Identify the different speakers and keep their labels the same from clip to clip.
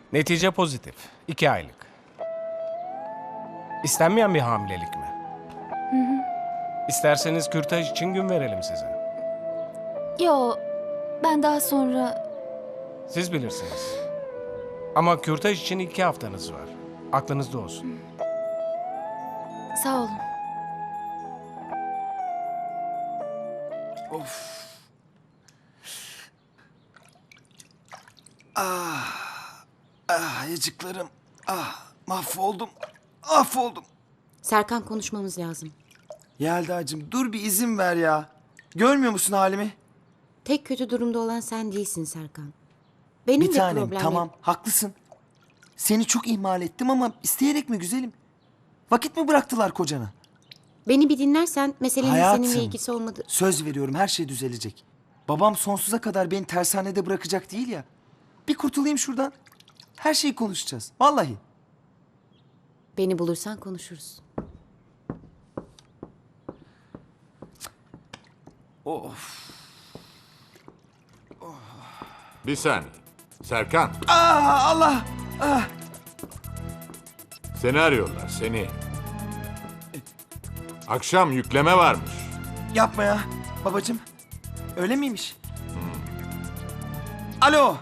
Speaker 1: Netice pozitif. 2 aylık. İstenmeyen bir hamilelik mi? İsterseniz kürtaj için gün verelim size.
Speaker 2: Yo, ben daha sonra...
Speaker 1: Siz bilirsiniz. Ama kürtaj için 2 haftanız var. Aklınızda olsun.
Speaker 2: Sağ olun.
Speaker 3: Ayıcıklarım. Mahvoldum. Mahvoldum.
Speaker 4: Serkan, konuşmamız lazım.
Speaker 3: Yelda'cığım dur bir izin ver ya. Görmüyor musun halimi?
Speaker 4: Tek kötü durumda olan sen değilsin Serkan. Benim
Speaker 3: Bir
Speaker 4: de
Speaker 3: tanem
Speaker 4: problemim.
Speaker 3: tamam haklısın. Seni çok ihmal ettim ama isteyerek mi güzelim? Vakit mi bıraktılar kocana?
Speaker 4: Beni bir dinlersen meselenin
Speaker 3: Hayatım.
Speaker 4: seninle ilgisi olmadı.
Speaker 3: Söz veriyorum her şey düzelecek. Babam sonsuza kadar beni tersanede bırakacak değil ya. Bir kurtulayım şuradan. Her şeyi konuşacağız. Vallahi.
Speaker 4: Beni bulursan konuşuruz.
Speaker 3: Of.
Speaker 5: Bir saniye. Serkan,
Speaker 3: Allah.
Speaker 5: seni arıyorlar, seni. Akşam yükleme varmış.
Speaker 3: Yapma ya babacığım. Öyle miymiş? Alo.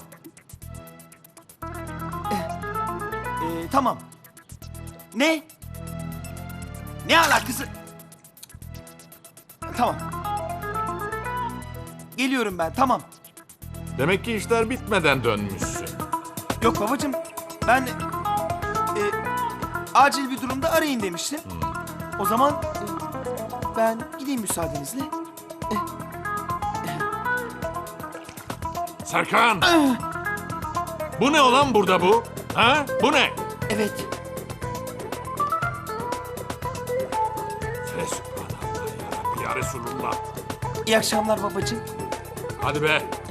Speaker 3: Tamam. Ne? Ne alakası? Tamam. Geliyorum ben tamam.
Speaker 5: Demek ki işler bitmeden dönmüşsün.
Speaker 3: Yok babacığım ben acil bir durumda arayın demiştim. O zaman ben gideyim müsaadenizle.
Speaker 5: Serkan! Bu ne olan burada bu? Ha? Bu ne?
Speaker 3: Evet.
Speaker 5: Fesubhanallah ya Rabbi ya Resulullah.
Speaker 3: İyi akşamlar babacığım.
Speaker 5: Hadi be.